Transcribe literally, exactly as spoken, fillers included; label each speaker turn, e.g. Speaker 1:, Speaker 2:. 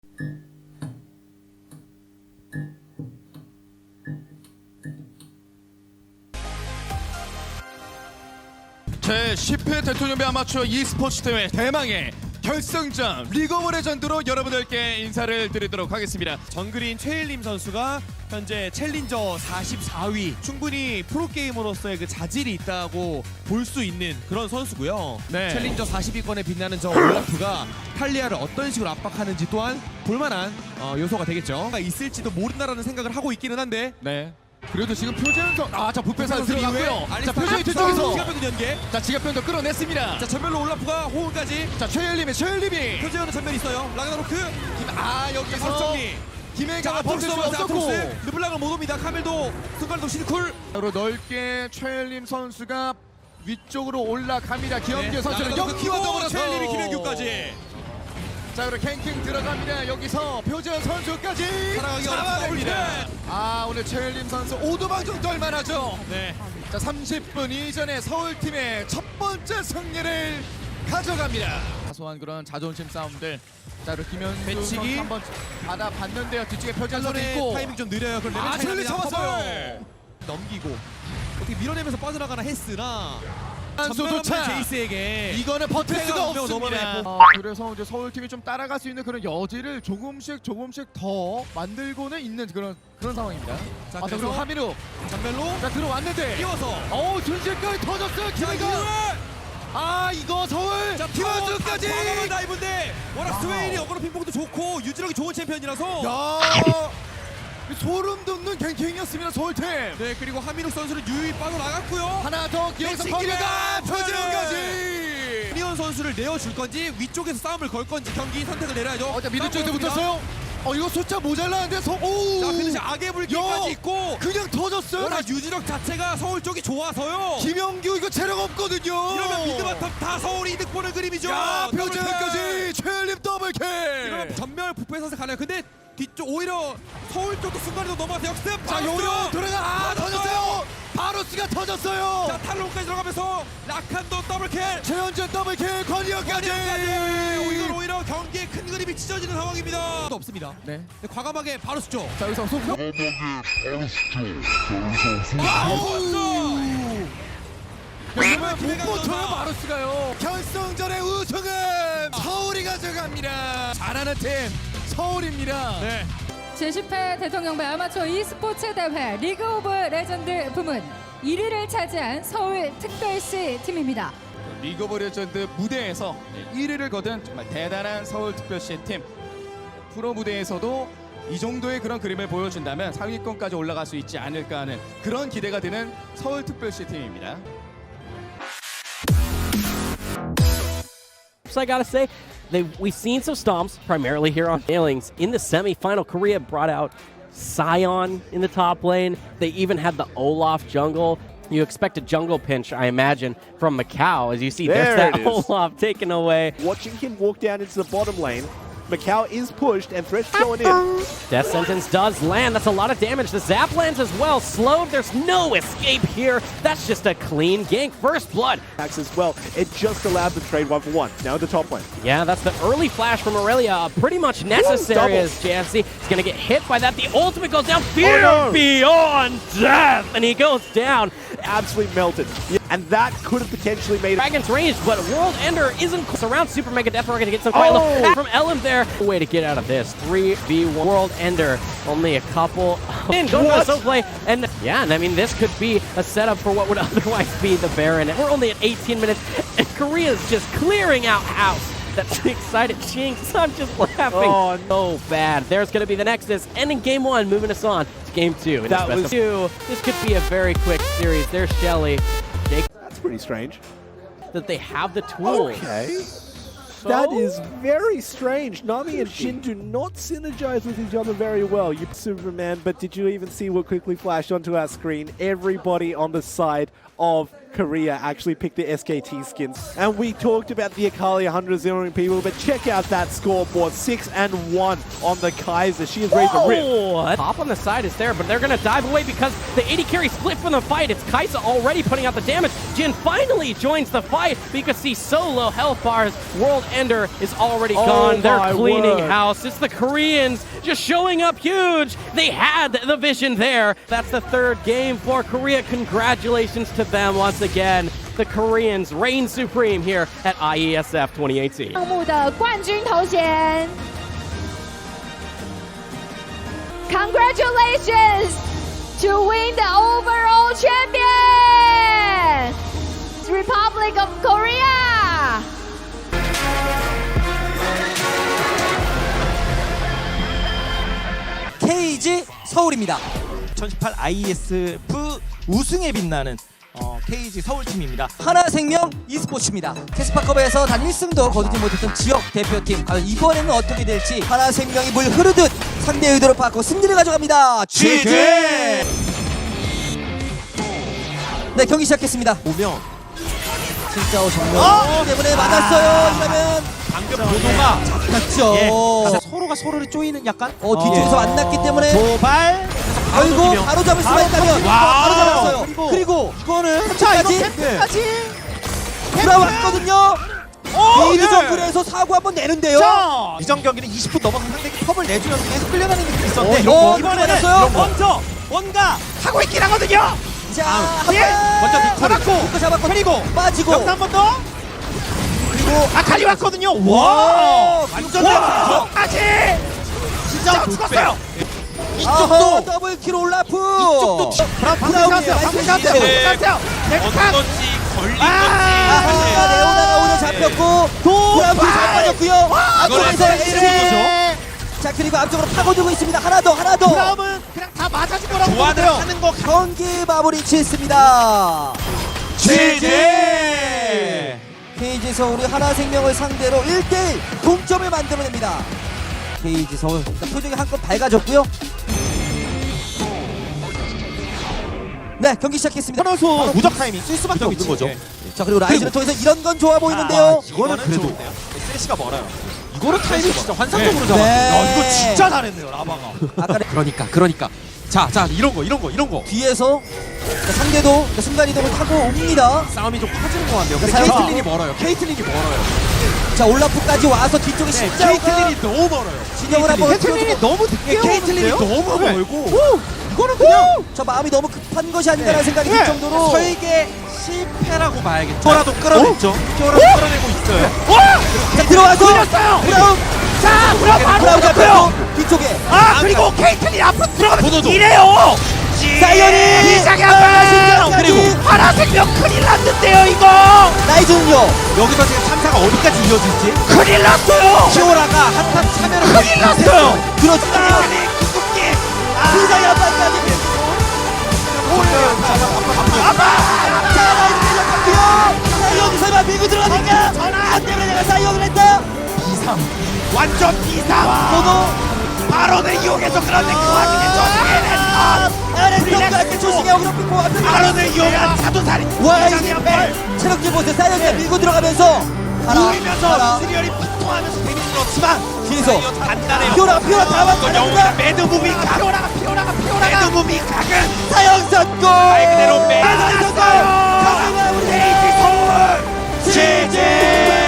Speaker 1: 제십 회 대통령배 아마추어 e스포츠 대회 대망의 결승전 리그 오브 레전드로 여러분들께 인사를 드리도록 하겠습니다.
Speaker 2: 정글인 최일림 선수가 현재 챌린저 사십사 위, 충분히 프로게이머로서의 그 자질이 있다고 볼 수 있는 그런 선수고요.
Speaker 1: 네.
Speaker 2: 챌린저 사십 위권에 빛나는 저 올라프가 탈리아를 어떤 식으로 압박하는지 또한 볼만한 어, 요소가 되겠죠. 있을지도 모른다라는 생각을 하고 있기는 한데
Speaker 1: 네. 그래도 지금 표재현 선 아자 부패사 들어갔고요. 자
Speaker 2: 자,
Speaker 1: 표재현 뒤쪽에서
Speaker 2: 지갑병 연계.
Speaker 1: 자 지갑병도 끌어냈습니다.
Speaker 2: 자, 전멸로 올라프가 호응까지.
Speaker 1: 자 최열림의 최열림이
Speaker 2: 표재현은 전멸 있어요. 라그나로크.
Speaker 1: 아
Speaker 2: 자,
Speaker 1: 여기서
Speaker 2: 바로 정리.
Speaker 1: 김혜가가
Speaker 2: 자,
Speaker 1: 버틸 수
Speaker 2: 아트록스
Speaker 1: 없었고
Speaker 2: 아트록스. 르블랑을 못 옵니다. 카멜도 순간도 실쿨.
Speaker 1: 바로 넓게 최열림 선수가 위쪽으로 올라갑니다. 김현규 선수는
Speaker 2: 라그나로크
Speaker 1: 여기와
Speaker 2: 키고
Speaker 1: 더불어서
Speaker 2: 최일림이 김현규까지.
Speaker 1: 자 그리고 캔킹 들어갑니다. 여기서 표재현 선수까지
Speaker 2: 살아가기가
Speaker 1: 잡아냅니다.
Speaker 2: 어렵습니다.
Speaker 1: 아 오늘 최열림 선수 오도방 정도 할만하죠.
Speaker 2: 네.
Speaker 1: 자 삼십 분 이전에 서울팀의 첫 번째 승리를 가져갑니다. 사소한 그런 자존심 싸움들. 자 그리고 김현수
Speaker 2: 배치기.
Speaker 1: 선수 한번 받아봤는데요. 뒤쪽에 표재현 선수
Speaker 2: 한손에
Speaker 1: 있고
Speaker 2: 타이밍 좀 느려요. 그걸
Speaker 1: 아,
Speaker 2: 레벨
Speaker 1: 첼리
Speaker 2: 차이가
Speaker 1: 잡았어요.
Speaker 2: 커버를 넘기고 어떻게 밀어내면서 빠져나가나 했으나
Speaker 1: 선수
Speaker 2: 전멸
Speaker 1: 도착.
Speaker 2: 없는 제이스에게
Speaker 1: 이거는 버틸
Speaker 2: 패가
Speaker 1: 수가
Speaker 2: 한 명
Speaker 1: 없습니다.
Speaker 2: 넘어내고.
Speaker 1: 아, 그래서 이제 서울팀이 좀 따라갈 수 있는 그런 여지를 조금씩 조금씩 더 만들고는 있는 그런 그런 상황입니다.
Speaker 2: 자,
Speaker 1: 아, 자,
Speaker 2: 그래서
Speaker 1: 그리고 하민우
Speaker 2: 전멸로
Speaker 1: 자 들어왔는데
Speaker 2: 끼워서
Speaker 1: 어우 순식간에 터졌어요.
Speaker 2: 자,
Speaker 1: 김혜가
Speaker 2: 이거를
Speaker 1: 아 이거 서울
Speaker 2: 자,
Speaker 1: 김현수까지
Speaker 2: 과감한 다이브인데 워낙 스웨인이 어그로 핑퐁도 좋고 유지력이 좋은 챔피언이라서
Speaker 1: 야 소름 돋는 갱킹이었습니다. 서울팀
Speaker 2: 네, 그리고 하민욱 선수는 유유히 빠져나갔고요.
Speaker 1: 하나 더 여기서
Speaker 2: 배치기가
Speaker 1: 김혜가 표재훈까지
Speaker 2: 이현 선수를 내어줄 건지 위쪽에서 싸움을 걸 건지 경기 선택을 내려야죠.
Speaker 1: 어자 미드
Speaker 2: 싸움
Speaker 1: 쪽에서
Speaker 2: 걸었습니다.
Speaker 1: 붙었어요. 어 이거 숫자 모자라는데 서 오.
Speaker 2: 자, 피니시 악의 불길까지
Speaker 1: 야,
Speaker 2: 있고
Speaker 1: 그냥 터졌어요.
Speaker 2: 워낙 유지력 자체가 서울 쪽이 좋아서요.
Speaker 1: 김영규 이거 체력 없거든요.
Speaker 2: 이러면 미드바텀 다 서울이 이득 보는 그림이죠.
Speaker 1: 야
Speaker 2: 더블
Speaker 1: 표재까지 최열림 더블킥.
Speaker 2: 킬. 이러면 전멸 부패 선수 가나요? 근데 뒤쪽 오히려 서울 쪽도 순간에도 넘어가서 역습.
Speaker 1: 자
Speaker 2: 바로스!
Speaker 1: 요로 들어가 아
Speaker 2: 터졌어요.
Speaker 1: 터졌어요. 바로스가 터졌어요.
Speaker 2: 자, 탈론까지 들어가면서 라칸도 더블킬.
Speaker 1: 최현준 더블킥 권희영까지.
Speaker 2: 이건 오히려 경기의 큰 그림이 찢어지는 상황입니다. 또 없습니다.
Speaker 1: 네.
Speaker 2: 근데 과감하게 바로 수죠.
Speaker 1: 자 여기서 소프. 그러면 못 버텨요 마루스가요. 결승전의 우승은 서울이 가져갑니다. 잘하는 팀 서울입니다.
Speaker 2: 네.
Speaker 3: 제십 회 대통령배 아마추어 e스포츠 대회 리그 오브 레전드 부문 일 위를 차지한 서울 특별시 팀입니다.
Speaker 1: 리그 오브 레전드 무대에서 일 위를 거둔 정말 대단한 서울특별시 팀. 프로 무대에서도 이 정도의 그런 그림을 보여준다면 상위권까지 올라갈 수 있지 않을까 하는 그런 기대가 드는 서울특별시 팀입니다.
Speaker 4: So I gotta say, they we've seen some stomps, primarily here on Failings. In the semi-final, Korea brought out Sion in the top lane. They even had the Olaf jungle. You expect a jungle pinch, I imagine, from Macau. As you see,
Speaker 5: There
Speaker 4: there's that
Speaker 5: it is.
Speaker 4: Olaf taken away.
Speaker 5: Watching him walk down into the bottom lane, Macau is pushed and Thresh going in.
Speaker 4: Death Sentence does land. That's a lot of damage. The Zap lands as well. Slowed. There's no escape here. That's just a clean gank. First blood.
Speaker 5: Max as well. It just allowed the trade one for one. Now in the top lane.
Speaker 4: Yeah, that's the early flash from Aurelia. Uh, pretty much necessary
Speaker 5: double.
Speaker 4: as J F C is going to get hit by that. The ultimate goes down. Fear
Speaker 5: no.
Speaker 4: beyond death. And he goes down.
Speaker 5: Absolutely melted. Yeah, and that could have potentially made it.
Speaker 4: Dragon's ranged, but World Ender isn't close. Around Super Mega Death. We're going to get some quite
Speaker 5: Oh.
Speaker 4: low from Elim there. Way to get out of this. three v one. World Ender. Only a couple. In going for the
Speaker 5: What?
Speaker 4: soul play. And yeah, and I mean, this could be a setup for what would otherwise be the Baron. And we're only at eighteen minutes, and Korea's just clearing out house. That's excited Jinx. I'm just laughing.
Speaker 5: Oh,
Speaker 4: no. bad. There's going to be the Nexus. Ending game one, moving us on to game two. In
Speaker 5: That
Speaker 4: this best
Speaker 5: was-
Speaker 4: of two. This could be a very quick series. There's Shelly. Jake,
Speaker 5: That's pretty strange.
Speaker 4: that they have the tools.
Speaker 5: Okay. That is very strange. Nami and Shin do not synergize with each other very well. You Superman, but did you even see what quickly flashed onto our screen? Everybody on the side of Korea actually picked the S K T skins. And we talked about the Akali one hundred zeroing people, but check out that scoreboard. six and one on the Kaiser. She has raised a rip.
Speaker 4: Oh, Pop on the side is there, but they're going to dive away because the A D carry split from the fight. It's Kaisa already putting out the damage. Jin finally joins the fight, but you can see so low health bars. World Ender is already
Speaker 5: Oh
Speaker 4: gone. They're
Speaker 5: my
Speaker 4: cleaning
Speaker 5: word.
Speaker 4: house. It's the Koreans just showing up huge. They had the vision there. That's the third game for Korea. Congratulations to them once again. The Koreans reign supreme here at I E S F twenty eighteen.
Speaker 6: 项目的冠军头衔。Congratulations to win the overall champion, Republic of Korea.
Speaker 7: 케이지 서울입니다. 이천십팔 아이에스에프 우승에 빛나는 어, 케이지 서울팀입니다. 하나생명 e스포츠입니다. 캐스파컵에서 단 일 승도 거두지 못했던 지역 대표팀. 과연 이번에는 어떻게 될지 하나생명이 물 흐르듯 상대 의도를 받고 승리를 가져갑니다. 지지! 네, 경기 시작했습니다. 오명 진짜오 정면
Speaker 2: 어!
Speaker 7: 때문에 맞았어요. 이러면
Speaker 2: 방금 보도가
Speaker 7: 맞죠.
Speaker 2: 예, 서로가 서로를 쪼이는 약간
Speaker 7: 어, 뒤쪽에서
Speaker 2: 어.
Speaker 7: 만났기 때문에
Speaker 2: 도발
Speaker 7: 결국
Speaker 2: 넘기면.
Speaker 7: 바로 잡을 수가
Speaker 2: 바로
Speaker 7: 있다면
Speaker 2: 넘기면.
Speaker 7: 바로
Speaker 2: 와우.
Speaker 7: 잡았어요.
Speaker 2: 그리고,
Speaker 7: 그리고
Speaker 2: 이거는 자 이거
Speaker 7: 끝까지
Speaker 2: 템플까지
Speaker 7: 돌아왔거든요.
Speaker 2: 오,
Speaker 7: 미드
Speaker 2: 예.
Speaker 7: 정글에서 사고 한번 내는데요.
Speaker 2: 자 이전 경기는 이십 분 넘어서 상대에게 컵을 내주면서 계속 끌려다니는 느낌이 있었는데
Speaker 7: 어, 이런 거.
Speaker 2: 이번에는
Speaker 7: 맞았어요?
Speaker 2: 먼저 뭔가 하고 있긴 하거든요.
Speaker 7: 자,
Speaker 2: 아,
Speaker 7: 한
Speaker 2: 예.
Speaker 7: 번.
Speaker 2: 먼저 니코 잡았고
Speaker 7: 니코 잡았고
Speaker 2: 그리고
Speaker 7: 빠지고
Speaker 2: 여기서 한 번 더. 그리고 아칼리 왔거든요.
Speaker 7: 와,
Speaker 2: 와 완전
Speaker 7: 와.
Speaker 2: 아직 진짜 죽었어요.
Speaker 7: 아하,
Speaker 2: 이쪽도
Speaker 7: 더블 킬 올라프.
Speaker 2: 이쪽도 브라운 방금
Speaker 7: 브라운이에요.
Speaker 2: 샷이요. 방금
Speaker 7: 나이스
Speaker 2: 샷이요.
Speaker 7: 샷이에요.
Speaker 2: 샷이요. 넥탄.
Speaker 7: 아, 레오나가 오늘 잡혔고 브라운 잘 빠졌고요. 앞쪽에서 에이스. 자, 그리고 앞쪽으로 파고들고 있습니다. 하나 더, 하나 더.
Speaker 2: 브라움은 그냥 다 맞아준 거라고 좋아하는 하는 거
Speaker 7: 경기 마무리 짓습니다.
Speaker 2: 지지.
Speaker 7: 케이지 서울이 하나생명을 상대로 일 대 일 동점을 만들어냅니다. 케이지 서울 자, 표정이 한껏 밝아졌고요. 네, 경기 시작했습니다.
Speaker 2: 선수 무적 타이밍 쓸 수밖에 없는 거죠.
Speaker 7: 자, 그리고 라이즈를 통해서 이런 건 좋아 보이는데요.
Speaker 2: 이거는 그래도 쓰레쉬가 멀어요. 이거는 타이밍 진짜 환상적으로
Speaker 7: 잡았어요. 네.
Speaker 2: 야, 이거 진짜 잘했네요, 라바가.
Speaker 7: 아까
Speaker 2: 그러니까, 그러니까. 자, 자, 이런 거, 이런 거, 이런 거.
Speaker 7: 뒤에서 자, 상대도 자, 순간이동을 타고 옵니다.
Speaker 2: 싸움이 좀 커지는 것 같네요. 근데
Speaker 7: 자,
Speaker 2: 케이틀린이 멀어요. 케이틀린이 멀어요.
Speaker 7: 자, 올라프까지 와서 뒤쪽에
Speaker 2: 네,
Speaker 7: 십자가
Speaker 2: 케이틀린이 너무 멀어요.
Speaker 7: 진영을 한번
Speaker 2: 케이틀린이 너무 늦게 케이틀린이 너무
Speaker 7: 네.
Speaker 2: 멀고. 이거는 그냥
Speaker 7: 저 마음이 너무 급한 것이 아닌가라는 생각이 들 정도로
Speaker 2: 설계 실패라고 봐야겠죠. 저라도 끌어냈죠. 저라도 끌어내고 있어요.
Speaker 7: 자, 들어와서
Speaker 2: 끌렸어요.
Speaker 7: 브라운
Speaker 2: 자, 브라운 바로
Speaker 7: 브라운
Speaker 2: 잡혀요.
Speaker 7: 잡혔고 뒤쪽에
Speaker 2: 아, 그리고 케이틀린 앞으로 들어가면 이래요.
Speaker 7: 사이언이
Speaker 2: 시작이
Speaker 7: 아,
Speaker 2: 안 그리고 하나생명 큰일 났는데요, 이거.
Speaker 7: 라이즈는요.
Speaker 2: 여기서 지금 참사가 어디까지 이어질지 큰일 났어요. 키오라가 한탕 참여를 큰일 났어요.
Speaker 7: 그렇죠.
Speaker 2: 궁극기.
Speaker 7: 비상이 한발까지
Speaker 2: 아빠.
Speaker 7: 자, 라이즈 잡혔고요. 사이언 설마 밀고 들어가니까
Speaker 2: 전화
Speaker 7: 안 때문에 내가 사이언을 했다.
Speaker 2: 비상. 완전 비상.
Speaker 7: 저도
Speaker 2: 바론을 이용해서 그런데 그 와중에 저승에는
Speaker 7: 아래쪽까지 조식에 어그럽히고 왔는데
Speaker 2: 바론을 이용한 자도살인.
Speaker 7: 와, 이제 체력질 보세요. 사이언이 밀고 들어가면서
Speaker 2: 누이면서 시리얼이 피통하면서 데미지는 없지만
Speaker 7: 뒤에서
Speaker 2: 간단해요.
Speaker 7: 피오라 피오라 다
Speaker 2: 이건 영웅이다.
Speaker 7: 왔다.
Speaker 2: 매드무비 각. 피오라가 피오라가 피오라가. 매드무비 각은
Speaker 7: 사형 선고.
Speaker 2: 말 그대로 매드
Speaker 7: 선고.
Speaker 2: 났어요.
Speaker 7: 경기가 우리
Speaker 2: 케이지 서울. 지지.